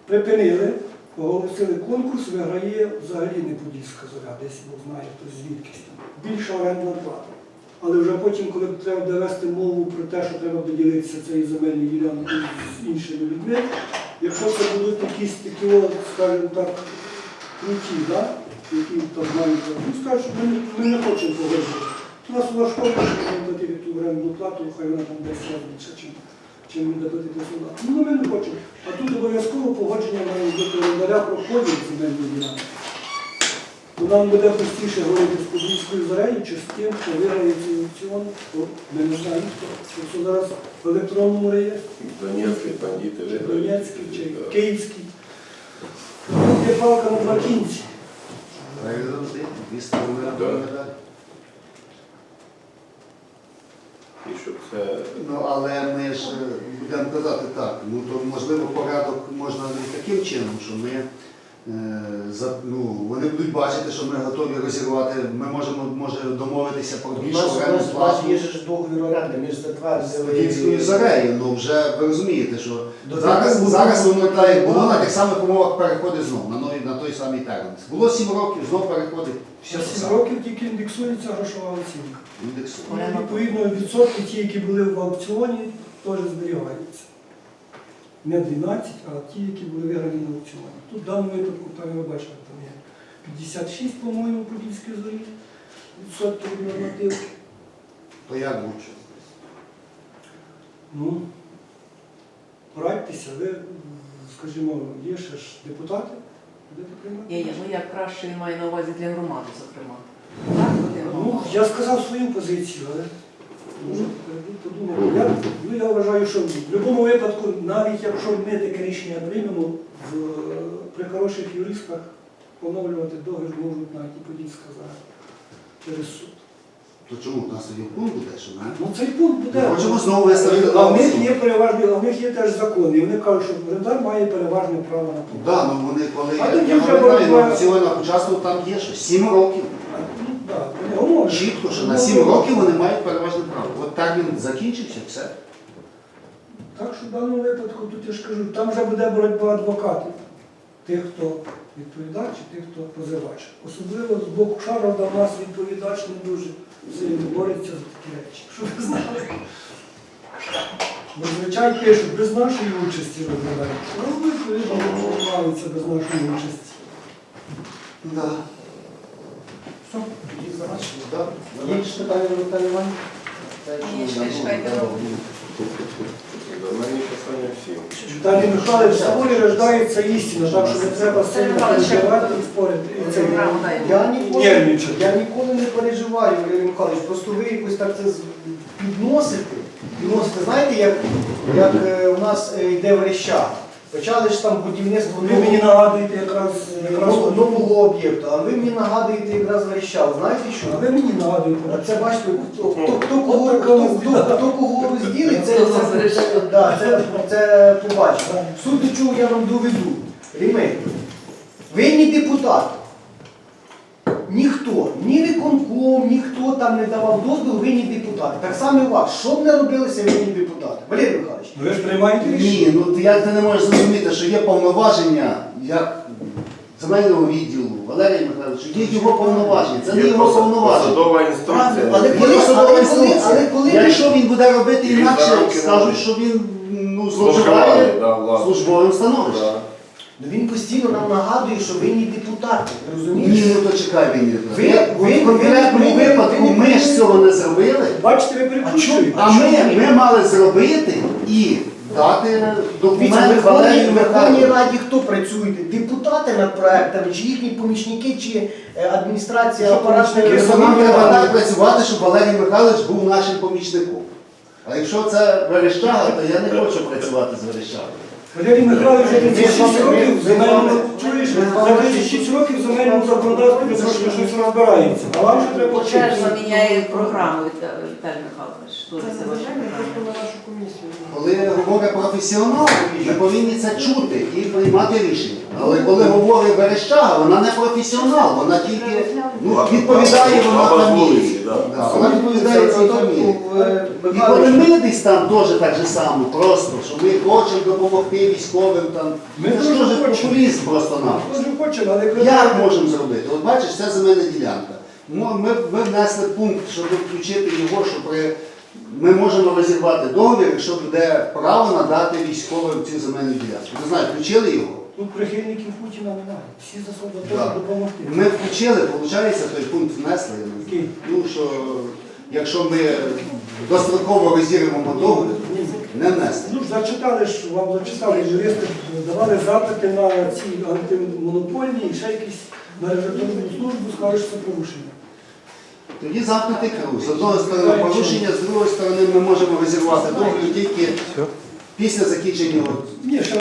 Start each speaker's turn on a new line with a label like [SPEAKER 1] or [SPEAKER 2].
[SPEAKER 1] Припинили, оголосили конкурс, виграє взагалі не Подільська зоря, десь Бог знає, хтось звідкись там. Більша орендна плата. Але вже потім, коли треба довести мову про те, що треба поділитися цією земельною ділянкою з іншими людьми, якщо це будуть якісь такі, скажімо так, круті, да? Які там мають, скажуть, що ми не хочемо погоджувати. У нас влаштовує, що ми платити ту орендну плату, хай вона там десь раз більше, чим буде платити сюди. Ну, ми не хочемо. А тут обов'язково погодження має бути орендаря про поділ земельної ділянки. То нам буде простіше говорити з Подільською зорею, чи з тим, хто виграє цей аукціон, то ми не знаємо, хто зараз в електронному реєстрі.
[SPEAKER 2] Донецький бандити виграють.
[SPEAKER 1] Донецький чи Київський. Тут є палка на два кінці.
[SPEAKER 2] І щоб це...
[SPEAKER 3] Ну, але ми ж будемо казати так, ну то можливо порядок можна і таким чином, що ми, вони будуть бачити, що ми готові розірвати, ми можемо домовитися про більшу оренду
[SPEAKER 4] У нас є ж договір оренди, ми ж затвердили.
[SPEAKER 3] з Подільською зорею, ну вже ви розумієте, що зараз воно так як було на тих самих умовах переходить знов, на той самий термін. Було 7 років, знов переходить.
[SPEAKER 1] Ще 7 років тільки індексується грошова оцінка.
[SPEAKER 3] Індексує.
[SPEAKER 1] Відповідно, відсотки ті, які були в аукціоні, теж зберігаються. Не 12, а ті, які були виграні на аукціоні. Тут в даному випадку, там ви бачите, там є 56, по-моєму, Подільській зорі, відсотків від нормативки.
[SPEAKER 3] То як лучше?
[SPEAKER 1] Ну, порадьтеся, ви, скажімо, є ще ж депутати, будете приймати?
[SPEAKER 5] Є, ну як краще він має на увазі для громади, зокрема. Так,
[SPEAKER 1] Ну, я сказав свою позицію, але може подумати. Я вважаю, що в будь-якому випадку, навіть якщо ми таке рішення приймемо, при хороших юристах поновлювати договір можуть навіть і Подільська зора через суд.
[SPEAKER 3] То чому? У нас тоді пункт буде, що ми?
[SPEAKER 1] Ну цей пункт буде.
[SPEAKER 3] Ми хочемо знову виставити.
[SPEAKER 1] А в них є переважні, а в них є теж закон. І вони кажуть, що орендар має переважне право на пункт.
[SPEAKER 3] Так, ну вони коли
[SPEAKER 1] А тоді
[SPEAKER 3] я
[SPEAKER 1] вже
[SPEAKER 3] пам'ятаю,
[SPEAKER 1] боротьба.
[SPEAKER 3] на аукціонах участвував, там є що 7 років.
[SPEAKER 1] Ну, так, вони говорять.
[SPEAKER 3] Чітко, що на 7 років вони мають переважне право. От так він закінчився, все.
[SPEAKER 1] Так що в даному випадку, тут я ж кажу, там вже буде боротьба адвокатів. Тих, хто відповідач і тих, хто позивач. Особливо з боку Шарова у нас відповідач не дуже сильно бореться за такі речі. Щоб ви знали. Зазвичай пишуть, без нашої участі розглядають. Ну, відповідно, відбувається без нашої участі.
[SPEAKER 3] Да.
[SPEAKER 1] Все.
[SPEAKER 4] Тоді завершили.
[SPEAKER 3] Да.
[SPEAKER 4] Є ж питання до Віталія Івановича?
[SPEAKER 5] Ні, чекайте.
[SPEAKER 2] До мене питання всім.
[SPEAKER 1] Віталій Михайлович, в спорі рождається істина, так що не треба сильно переживати і спорити. І це нервничати.
[SPEAKER 4] Я ніколи не переживаю, Валерій Михайлович, просто ви якось так це підносите. Знаєте, як у нас йде Верещак. Почали ж там будівництво
[SPEAKER 1] Ви мені нагадуєте якраз
[SPEAKER 4] нового об'єкту, а ви мені нагадуєте якраз Верещак. Знаєте що?
[SPEAKER 1] А ви мені нагадуєте.
[SPEAKER 4] А це бачите, хто кого розділить, це побачить. Суть до чого я вам доведу. Рімей, ви не депутати. Ніхто, ні виконком, ніхто там не давав дозвіл, ви не депутати. Так само і у вас. Що б не робилося, ви не депутати. Валерій Михайлович.
[SPEAKER 1] Ви ж приймаєте рішення?
[SPEAKER 3] Ні, ну як ти не можеш зрозуміти, що є повноваження, як земельного відділу, Валерія Михайловича, є його повноваження, це не
[SPEAKER 2] Є
[SPEAKER 3] його повноваження.
[SPEAKER 2] посадова інструкція.
[SPEAKER 3] Якщо він буде робити
[SPEAKER 2] Він
[SPEAKER 3] інакше,
[SPEAKER 2] зароки
[SPEAKER 3] скажуть,
[SPEAKER 2] робить.
[SPEAKER 3] що він зловживає службовим становищем.
[SPEAKER 4] Ну він постійно нам нагадує, що ви не депутати. Розумієте?
[SPEAKER 3] Ні, ну то чекай, він
[SPEAKER 4] Ви-
[SPEAKER 3] в конкретному випадку ми ж цього не зробили,
[SPEAKER 1] Бачите, ви перекручуєте.
[SPEAKER 3] а ми мали зробити і дати
[SPEAKER 4] Дивіться,
[SPEAKER 3] документ
[SPEAKER 4] в
[SPEAKER 3] Валерію
[SPEAKER 4] Верховній
[SPEAKER 3] Михайловичу.
[SPEAKER 4] Раді хто працює? Депутати над проектами, чи їхні помічники, чи адміністрація
[SPEAKER 1] Що
[SPEAKER 4] апаратної
[SPEAKER 1] помічники?
[SPEAKER 3] Нам треба так працювати, щоб Валерій Михайлович був нашим помічником. А якщо це Верещага, то я не хочу працювати з Верещагою.
[SPEAKER 1] Валерій Михайлович вже 36 років в земельному
[SPEAKER 4] Чуєш?
[SPEAKER 1] за 36 років в земельному законодавстві трошки щось розбирається. А вам ще треба
[SPEAKER 5] Ще ж
[SPEAKER 1] вчитися.
[SPEAKER 5] заміняє програму Віталій Михайлович. Дуже це ваша програма.
[SPEAKER 3] Коли говорить професіонал, ми повинні це чути і приймати рішення. Але коли говорить Верещага, вона не професіонал, вона тільки відповідає, вона
[SPEAKER 2] Баба з
[SPEAKER 3] там
[SPEAKER 2] вулиці,
[SPEAKER 3] є. Да, вона відповідає цій фамілії. І коли ми десь там теж так же само, просто, що ми хочемо допомогти військовим, там,
[SPEAKER 1] Ми
[SPEAKER 3] це ж
[SPEAKER 1] дуже
[SPEAKER 3] теж
[SPEAKER 1] хочемо.
[SPEAKER 3] популізм просто нам.
[SPEAKER 1] Дуже хочемо, але коли
[SPEAKER 3] Як можемо зробити? От бачиш, це земельна ділянка. Ми внесли пункт, щоб включити його, що ми можемо розірвати договір, якщо буде право надати військовим цю земельну ділянку. Не знаю, включили його?
[SPEAKER 1] тут прихильників Путіна немає. Всі за собою
[SPEAKER 3] Да.
[SPEAKER 1] теж допомогти.
[SPEAKER 3] Ми включили, виходить, той пункт внесли.
[SPEAKER 1] Який?
[SPEAKER 3] Ну, що якщо ми достроково розірвемо договір, не внесли.
[SPEAKER 1] Ну, зачитали ж, вам зачитали юристи, давали запити на ці антимонопольні і ще якісь на регуляторну службу, скажуть, що це порушення.
[SPEAKER 3] Тоді замкнутий круг. З одної сторони порушення, з другої сторони ми можемо розірвати договір тільки після закінчення.
[SPEAKER 1] Ні, ще